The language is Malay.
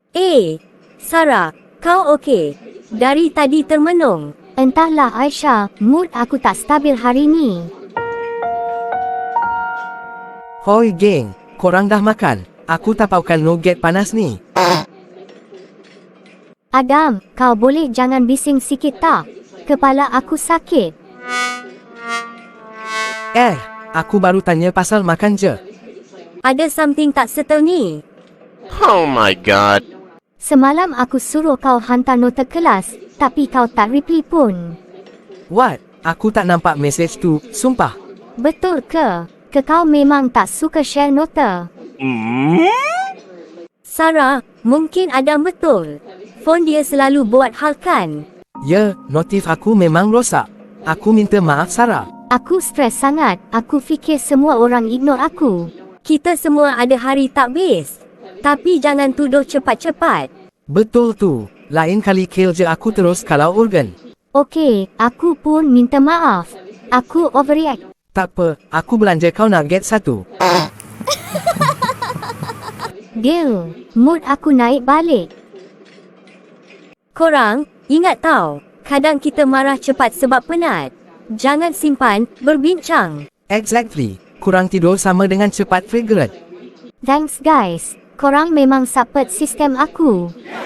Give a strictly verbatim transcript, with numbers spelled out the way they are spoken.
Eh, Sarah, kau okey? Dari tadi termenung. Entahlah Aisyah, mood aku tak stabil hari ni. Hoi geng, korang dah makan? Aku tapaukan nugget panas ni. Adam, kau boleh jangan bising sikit tak? Kepala aku sakit. Eh, aku baru tanya pasal makan je. Ada something tak settle ni? Oh my god. Semalam aku suruh kau hantar nota kelas, tapi kau tak reply pun. What? Aku tak nampak mesej tu, sumpah. Betul ke? Ke kau memang tak suka share nota? Sarah, mungkin Adam betul. Phone dia selalu buat hal kan? Ya, notif aku memang rosak. Aku minta maaf Sarah. Aku stres sangat, aku fikir semua orang ignore aku. Kita semua ada hari tak best. Tapi jangan tuduh cepat-cepat. Betul tu. Lain kali kill je aku terus kalau urgen. Okey, aku pun minta maaf. Aku overreact. Tak apa, aku belanja kau nugget satu. Deal, mood aku naik balik. Korang, ingat tau, kadang kita marah cepat sebab penat. Jangan simpan, berbincang. Exactly. Kurang tidur sama dengan cepat triggered. Thanks guys, korang memang support sistem aku.